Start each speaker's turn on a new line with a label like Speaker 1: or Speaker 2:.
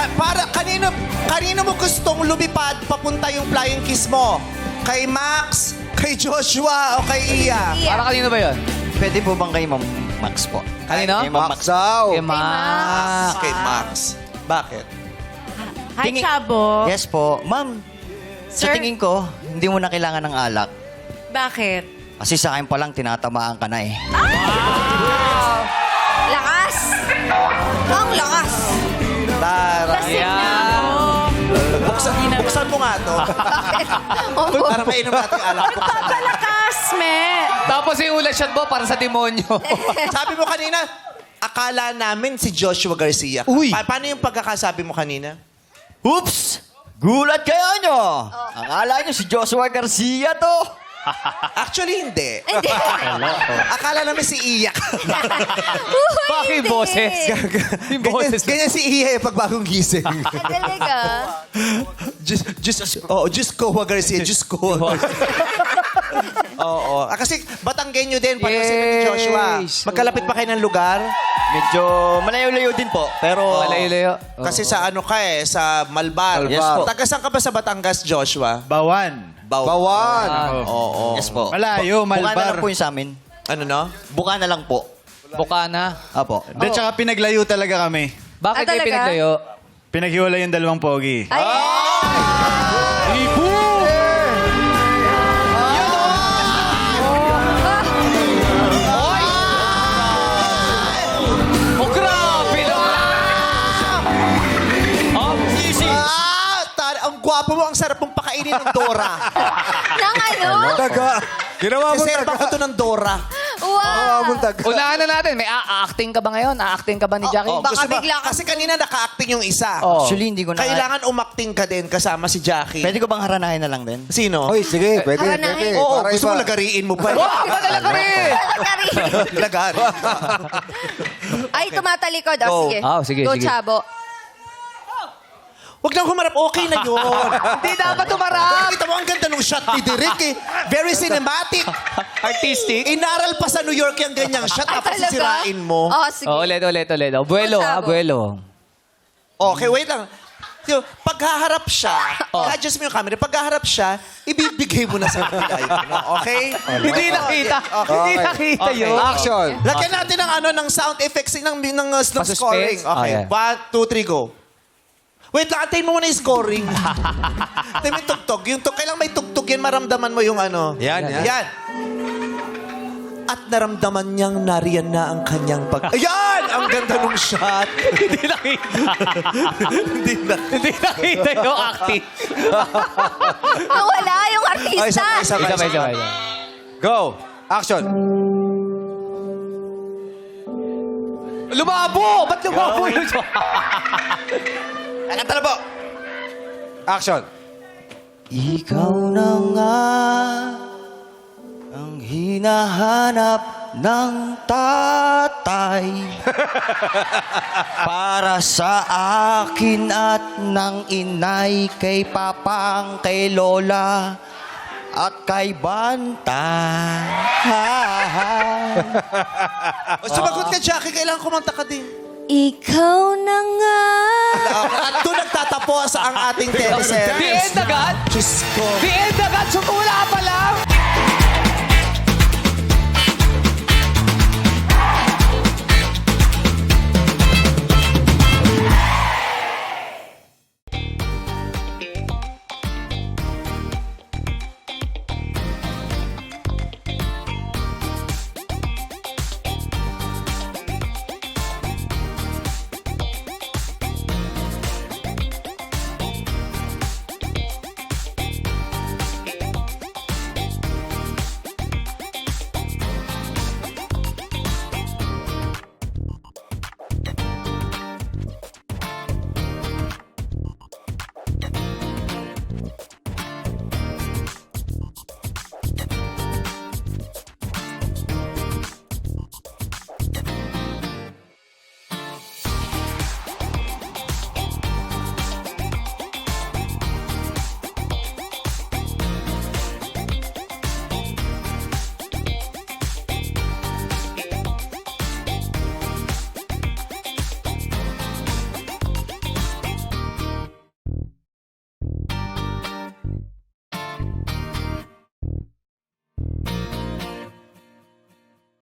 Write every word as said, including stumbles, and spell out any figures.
Speaker 1: Ka- para, kanino, kanino mo gustong lumipad papunta yung flying kiss mo? Kay Max, kay Joshua, o kay Iya?
Speaker 2: Para kanino ba yun?
Speaker 3: Pwede po bang kay Ma'am Max po?
Speaker 2: Kanino?
Speaker 3: Kay Ma'am Max.
Speaker 4: daw.
Speaker 2: Kay Max.
Speaker 1: Ah, kay Max. Bakit?
Speaker 5: Hi,
Speaker 3: Tingin-
Speaker 5: Chabo.
Speaker 3: Yes po. Ma'am, sa
Speaker 5: Sir?
Speaker 3: tingin ko, hindi mo na kailangan ng alak.
Speaker 5: Bakit?
Speaker 3: Kasi sa akin pa lang, tinatamaan ka na eh.
Speaker 6: Lakas! Ang lakas!
Speaker 1: Tara.
Speaker 5: Lasing na ako.
Speaker 1: Buksan, buksan mo nga to. Para mainom natin yung alak. Buksan natin.
Speaker 5: Palakas, me.
Speaker 2: Tapos yung ulat shot mo para sa demonyo.
Speaker 1: Sabi mo kanina, akala namin si Joshua Garcia.
Speaker 3: Uy!
Speaker 1: Pa- paano yung pagkakasabi mo kanina?
Speaker 3: Oops! Gulat kayo nyo! Akala nyo si Joshua Garcia to.
Speaker 1: Actually, hindi. Akala namin si Iyak.
Speaker 2: Bakit yung boses? Yung
Speaker 1: ganyan,
Speaker 2: boses.
Speaker 1: ganyan si Iya pag bagong gising.
Speaker 6: Ah, talaga?
Speaker 1: just, just, oh, just Kowa Garcia. Just Kowa Garcia. Oo. Ah, kasi Batanggenyo din, pareho sila ni Joshua.
Speaker 2: Yes.
Speaker 1: Magkalapit pa kayo ng lugar?
Speaker 3: Medyo malayo-layo din po, pero...
Speaker 2: Malayo-layo.
Speaker 1: Kasi sa ano ka eh, sa Malbar.
Speaker 3: Yes po.
Speaker 1: Taga saan ka ba sa Batangas, Joshua?
Speaker 4: Bawan.
Speaker 1: Baw-
Speaker 4: Bawan.
Speaker 1: Oo.
Speaker 3: Yes po.
Speaker 4: Malayo,
Speaker 3: Bu- Buka na
Speaker 4: Malbar.
Speaker 3: lang po yung sa amin.
Speaker 1: Ano no?
Speaker 3: Buka na lang po.
Speaker 2: Bukana.
Speaker 3: Apo.
Speaker 4: Hindi, tsaka pinaglayo talaga kami.
Speaker 2: Bakit
Speaker 6: Ah,
Speaker 2: kayo
Speaker 6: talaga?
Speaker 2: pinaglayo?
Speaker 4: Pinaghiwalay yung dalawang pogi.
Speaker 6: Ay,
Speaker 2: Oh, grabe naman! Oh, easy.
Speaker 1: Ah! Tar- ang gwapo mo, ang sarap mong pakainin ng Dora.
Speaker 6: nang ano?
Speaker 4: Taga. Ginawa mo
Speaker 1: Reserva ko to ng Dora.
Speaker 6: Wow!
Speaker 2: Unahan na natin. May a-acting ka ba ngayon? A-acting ka ba ni Jackie?
Speaker 1: Oh,
Speaker 6: Baka
Speaker 1: gusto ba-
Speaker 6: bigla ka-
Speaker 1: Kasi kanina naka-acting yung isa.
Speaker 2: Oh.
Speaker 3: Actually, hindi ko na...
Speaker 1: Kailangan umakting ka din kasama si Jackie.
Speaker 3: Pwede ko bang haranahin na lang din?
Speaker 1: Sino?
Speaker 4: Hoy, sige, pwede,
Speaker 6: Haranahin.
Speaker 4: pwede.
Speaker 1: Oo,
Speaker 4: Para
Speaker 1: gusto mo
Speaker 4: iba.
Speaker 1: lagariin mo pa.
Speaker 2: Wow, iba talaga rin!
Speaker 6: Lagari.
Speaker 1: Lagari.
Speaker 6: Ay, tumatalikod.
Speaker 1: Go.
Speaker 6: Oh, sige.
Speaker 2: Oh, sige,
Speaker 6: Go,
Speaker 2: sige.
Speaker 6: Chabo.
Speaker 1: Huwag lang humarap. Okay na yun.
Speaker 2: Hindi dapat tumarap!
Speaker 1: Kita mo, ang ganda ng shot ni Derek eh. Very cinematic.
Speaker 2: Artistic.
Speaker 1: Inaral pa sa New York yung ganyang shot.
Speaker 6: Ay,
Speaker 1: Tapos
Speaker 6: talaga?
Speaker 1: sisirain mo.
Speaker 6: Oh, sige.
Speaker 2: Oh, ulit, ulit, ulit. Oh, buelo,
Speaker 6: Go,
Speaker 2: ha?
Speaker 6: Chabo.
Speaker 2: Buelo.
Speaker 1: Okay, wait lang. Yung, paghaharap siya,
Speaker 2: Oh.
Speaker 1: adjust mo yung camera, paghaharap siya, ibibigay mo na sa kapilay mo. Okay?
Speaker 2: Hindi nakita.
Speaker 1: Okay.
Speaker 2: Hindi nakita
Speaker 1: Okay.
Speaker 2: yun.
Speaker 4: Action.
Speaker 1: Lagyan natin ng ano ng sound effects ng ng, ng, uh, ng
Speaker 2: Pa-suspense?
Speaker 1: scoring.
Speaker 2: Oh,
Speaker 1: Okay.
Speaker 2: yeah.
Speaker 1: One, two, three, go. Wait lang, antayin mo muna yung scoring. Antayin mo yung tugtog. Yung tug, kailang may tugtog yan, maramdaman mo yung ano.
Speaker 4: Yan, yan.
Speaker 1: Yan. At naramdaman niyang nariyan na ang kanyang pag... Ayan! Ang ganda ng shot.
Speaker 2: Hindi nakita.
Speaker 1: Hindi na.
Speaker 2: Hindi nakita yung acting.
Speaker 6: Nawala yung
Speaker 1: Ay,
Speaker 6: artista.
Speaker 1: isa pa, isa pa,
Speaker 2: Isa pa,
Speaker 1: isa
Speaker 2: isa
Speaker 1: pa.
Speaker 2: pa.
Speaker 4: Go. Action.
Speaker 2: Lumabo! Ba't lumabo yun?
Speaker 1: Kanta na po.
Speaker 4: Action.
Speaker 3: Ikaw na nga ang hinahanap ng tatay para sa akin at ng inay, kay papang, kay lola at kay banta.
Speaker 1: O, sumagot ka, Jackie. Kailangan kumanta ka din.
Speaker 6: Ikaw na nga.
Speaker 1: At doon nagtatapos ang ating teleserye.
Speaker 2: The end agad?
Speaker 1: Diyos ko.
Speaker 2: The end agad? Sumula pa lang?